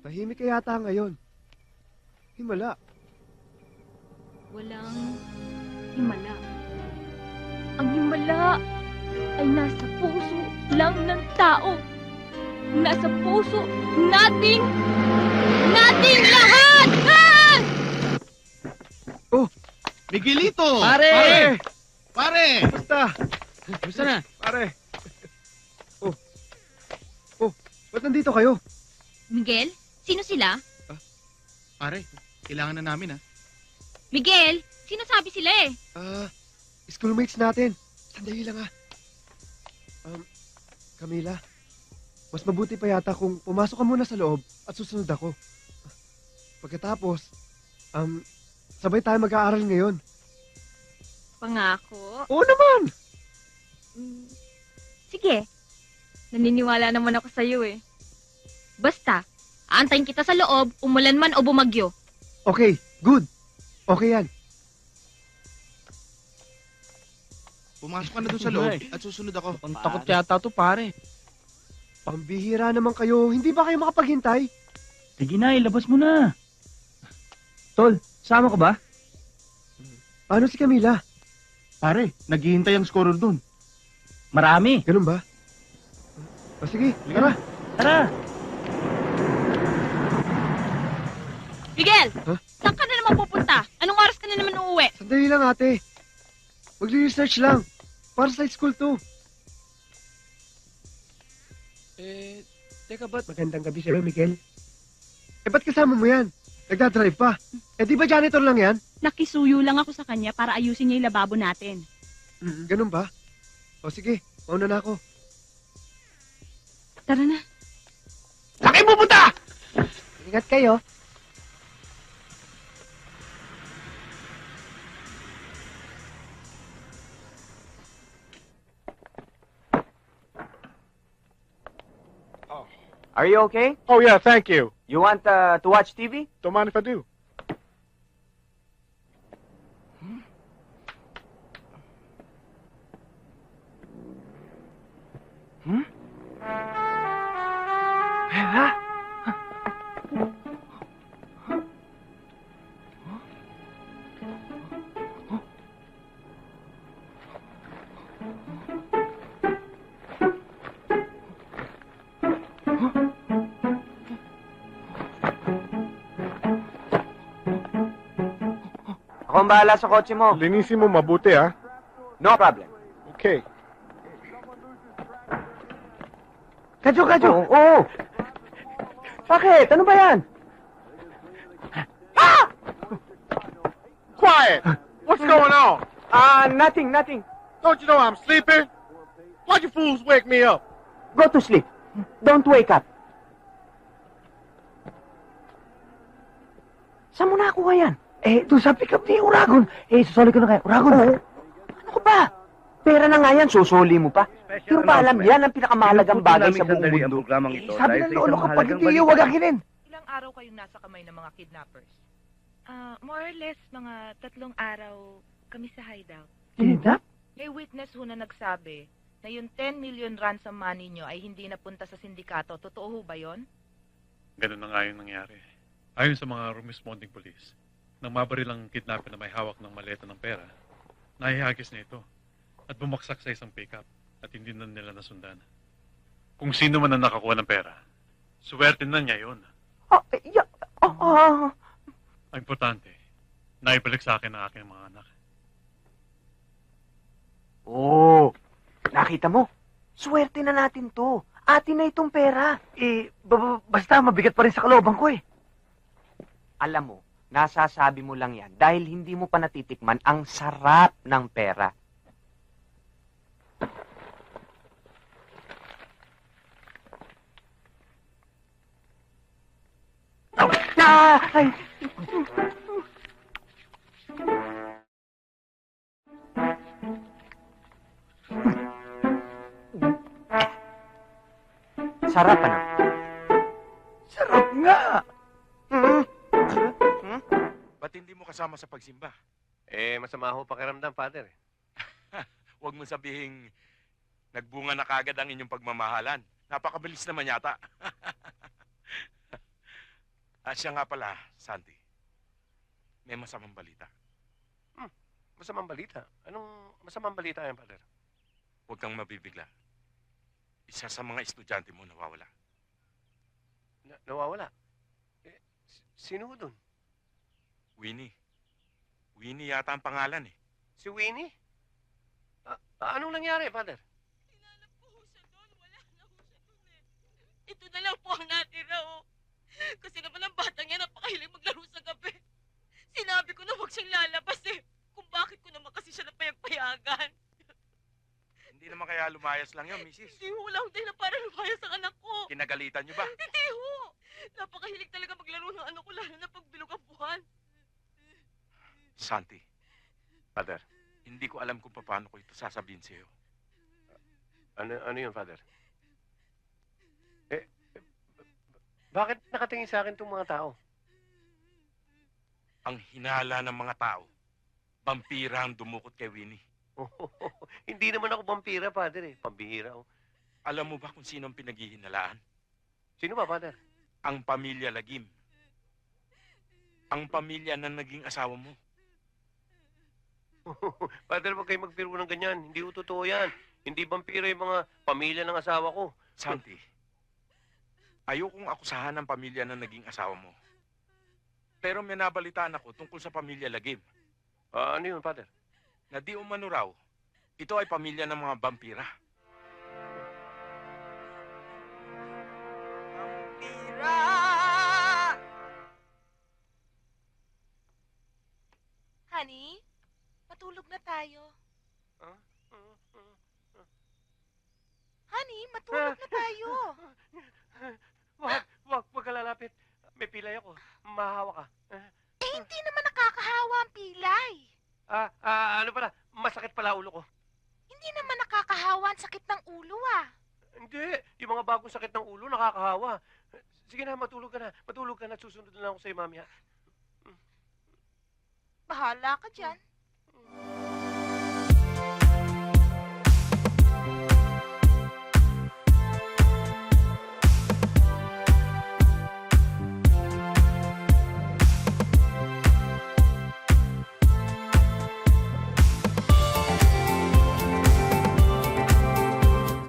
Tahimik ka yata ngayon. Himala. Walang himala. Ang himala ay nasa puso lang ng tao. Nasa puso nating lahat! Ah! Oh, Miguelito! pare! Pare! Basta! Gusto na? Pare! Oh, ba't nandito kayo? Miguel, sino sila? Pare, kailangan na namin, ha? Miguel, sinasabi sila eh. Schoolmates natin. Sandali lang, ha. Camila, mas mabuti pa yata kung pumasok ka muna sa loob at susunod ako. Pagkatapos, sabay tayo mag-aaral ngayon. Pangako. Oo naman! Sige, naniniwala naman ako sa'yo eh. Basta, aantayin kita sa loob, umulan man o bumagyo. Okay, good. Okay yan. Pumasok ka na doon sa loob at susunod ako. Ang takot yata to, pare. Pambihira naman kayo. Hindi ba kayo makapaghintay? Sige na, ilabas mo na. Tol, sama ka ba? Paano si Camila? Pare, naghihintay ang scorer doon. Marami. Ganun ba? O sige, tara. Tara. Miguel, Huh? saan ka na naman pupunta? Anong oras ka na naman uuwi? Sandali lang, ate. Magre-research lang. Para sa school to. Teka ba't? Magandang gabi sa'yo, Miguel. Ba't kasama mo yan? Nagdadrive pa. Di ba janitor lang yan? Nakisuyo lang ako sa kanya para ayusin niya yung lababo natin. Ganun ba? O sige, mauna na ako. Tara na. Saan kayo pupunta? Ingat kayo. Are you okay? Oh, yeah, thank you. You want to watch TV? Don't mind if I do. Ako ang bahala sa kotse mo. Linisin mo mabuti, ha? No problem. Okay. Kadyo! Oo. Bakit? Ano ba yan? Quiet! What's going on? Nothing. Don't you know I'm sleeping? Why'd you fools wake me up? Go to sleep. Don't wake up. Saan mo nakuha yan? Doon sa pick-up ni Uragon. Susuli ko na kayo. Uragon? Oo. Ano ka ba? Pera na nga yan, susuli mo pa. Di mo ba alam yan ang pinakamahalagang bagay sa buong mundo? Sabi ng lolo ko, pag hindi yung wagakinin. Ilang araw kayong nasa kamay ng mga kidnappers? More or less, mga 3 araw kami sa hideout. Kidnap? May witness ho na nagsabi na yung 10 million ransom money nyo ay hindi napunta sa sindikato. Totoo ho ba yon? Ganun na nga yung nangyari. Ayon sa mga responding police, nang mabaril ang kidnapper na may hawak ng maleta ng pera, nahihagis na ito at bumaksak sa isang pickup at hindi na nila nasundan. Kung sino man ang nakakuha ng pera, swerte na niya yun. Ang importante, naibalik sa akin ang aking mga anak. Oo. Nakita mo? Swerte na natin to. Atin na itong pera. Basta mabigat pa rin sa kalooban ko eh. Alam mo, nasasabi mo lang yan dahil hindi mo pa natitikman ang sarap ng pera. Ay! Sarap ano? Sarap nga! Ba't hindi mo kasama sa pagsimba? Masama ho pakiramdam, Father. Huwag mo sabihing nagbunga na kagad ang inyong pagmamahalan. Napakabilis naman yata. Siya nga pala, Santi. May masamang balita. Masamang balita. Anong masamang balita yan, Father? Huwag kang mabibigla. Isa sa mga estudyante mo nawawala. Nawawala. Sino dun? Winnie. Winnie yata ang pangalan eh. Si Winnie? Anong nangyari, Father? Hinanap ko ho siya doon. Wala na ho siya doon eh. Ito na lang po ang natira oh. Kasi naman ang batang yan napakahilig maglaro sa gabi. Sinabi ko na huwag siyang lalabas eh. Kung bakit ko naman kasi siya napayagpayagan. Hindi naman kaya lumayas lang yun, Mrs. Hindi ho, wala akong dahilan para lumayas ang anak ko. Kinagalitan niyo ba? Hindi ho. Napakahilig talaga maglaro ng anak ko lalo na pag bilog ang buwan. Santi, Father? hindi ko alam kung paano ko ito sasabihin sa'yo. Ano yun, Father? Bakit nakatingin sa akin itong mga tao? Ang hinala ng mga tao, vampira ang dumukot kay Winnie. Hindi naman ako vampira, Father eh. Pambihira ako. Alam mo ba kung sino ang pinaghihinalaan? Sino ba, Father? Ang pamilya Lagim. Ang pamilya na naging asawa mo. Father, huwag kayo magpiro ng ganyan. Hindi ko totoo yan. Hindi vampira yung mga pamilya ng asawa ko. Santi, ayokong akusahan ng pamilya na naging asawa mo. Pero may nabalitaan ako tungkol sa pamilya Lagim. Ano yun, Father? Na di umano raw, ito ay pamilya ng mga vampira. Vampira! Honey, matulog na tayo. Honey, matulog na tayo. Wag ka lalapit. May pilay ako. Mahahawa ka. Hindi naman nakakahawa ang pilay. Ano pala? Masakit pala ulo ko. Hindi naman nakakahawa ang sakit ng ulo ah. Hindi. Yung mga bagong sakit ng ulo, nakakahawa. Sige na, matulog ka na. Matulog ka na at susunod na lang ako sa'yo, mami, ha? Bahala ka dyan.